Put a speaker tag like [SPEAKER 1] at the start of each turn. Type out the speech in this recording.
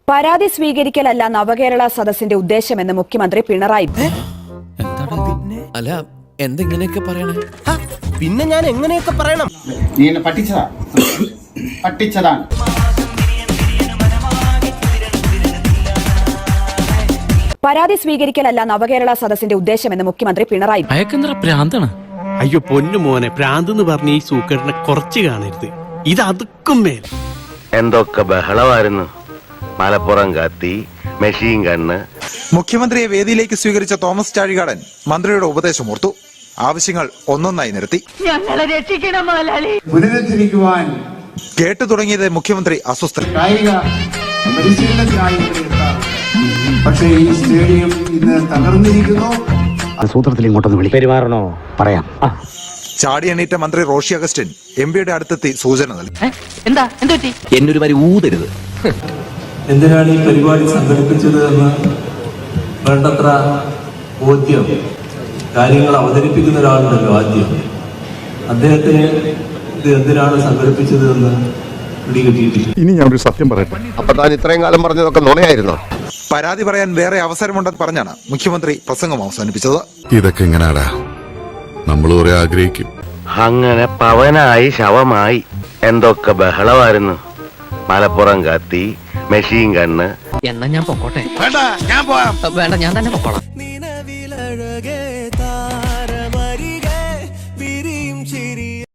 [SPEAKER 1] പരാതി സ്വീകരിക്കലല്ല നവകേരള സദസ്സിന്റെ ഉദ്ദേശമെന്ന് മുഖ്യമന്ത്രി പിണറായി.
[SPEAKER 2] അല്ല എന്തെങ്ങനെയൊക്കെ പറയണേ?
[SPEAKER 3] പിന്നെ ഞാൻ എങ്ങനെയൊക്കെ പറയണം?
[SPEAKER 4] നീ എന്നെ പറ്റിച്ചതാണ്.
[SPEAKER 1] പരാതി സ്വീകരിക്കലല്ല നവകേരള സദസ്സിന്റെ ഉദ്ദേശമെന്ന് മുഖ്യമന്ത്രി പിണറായി.
[SPEAKER 5] അയ്യോ പൊന്നു മോനെ, പ്രാന്ത് എന്ന് പറഞ്ഞ ഈ സൂക്കറിനെ കുറച്ച് കാണരുത്. ഇത് അതുക്കും മേൽ
[SPEAKER 6] എന്തൊക്കെ ബഹളമായിരുന്നു. മലപ്പുറം കത്തി, മെഷീൻ ഗണ്ണ്.
[SPEAKER 7] മുഖ്യമന്ത്രിയെ വേദിയിലേക്ക് സ്വീകരിച്ച തോമസ് ചാഴികാടൻ മന്ത്രിയുടെ ഉപദേശം ഓർത്തു. ആവശ്യങ്ങൾ ഒന്നൊന്നായി നിരത്തി.
[SPEAKER 4] പുനരുദ്ധരിക്കുവാൻ
[SPEAKER 7] കേട്ടു തുടങ്ങിയത് മുഖ്യമന്ത്രി അസ്വസ്ഥൻ.
[SPEAKER 4] പക്ഷേ ഈ സ്റ്റേഡിയം ഇന്ന് തകർന്നിരിക്കുന്നു.
[SPEAKER 8] സൂത്രത്തിൽ ഇങ്ങോട്ടൊന്ന് വിളി പെരുമാറണോ പറയാം.
[SPEAKER 7] ചാടി എണീറ്റ മന്ത്രി റോഷി അഗസ്റ്റിൻ എംപിയുടെ അടുത്തെത്തി സൂചന നൽകി.
[SPEAKER 2] എന്നൊരു വരി ഊതരുത്.
[SPEAKER 9] എന്തിനാണ് ഈ പരിപാടി സംഘടിപ്പിച്ചത് എന്ന് വേണ്ടത്ര ബോധ്യം കാര്യങ്ങൾ അവതരിപ്പിക്കുന്ന ഒരാളുണ്ടല്ലോ. ആദ്യം അദ്ദേഹത്തിന് ഇത് എന്തിനാണ് സംഘടിപ്പിച്ചത് എന്ന് പിടികിട്ടിയിട്ടില്ല.
[SPEAKER 10] ഇനി ഞാൻ ഒരു സത്യം പറയട്ടെ.
[SPEAKER 6] അപ്പൊ താൻ ഇത്രയും കാലം പറഞ്ഞതൊക്കെ നുണയായിരുന്നോ?
[SPEAKER 7] പരാതി പറയാൻ വേറെ അവസരമുണ്ടെന്ന് പറഞ്ഞാണ് മുഖ്യമന്ത്രി പ്രസംഗം അവസാനിപ്പിച്ചത്.
[SPEAKER 10] ഇതൊക്കെ എങ്ങനാടാ നമ്മൾ കുറെ ആഗ്രഹിക്കും.
[SPEAKER 6] അങ്ങനെ പവനായി ശവമായി. എന്തൊക്കെ ബഹളമായിരുന്നു. മലപ്പുറം കത്തി, മെഷീൻ ഗണ്ണ്.
[SPEAKER 2] എന്നാ ഞാൻ പൊക്കോട്ടെ? വേണ്ട, ഞാൻ തന്നെ പൊക്കോളാം.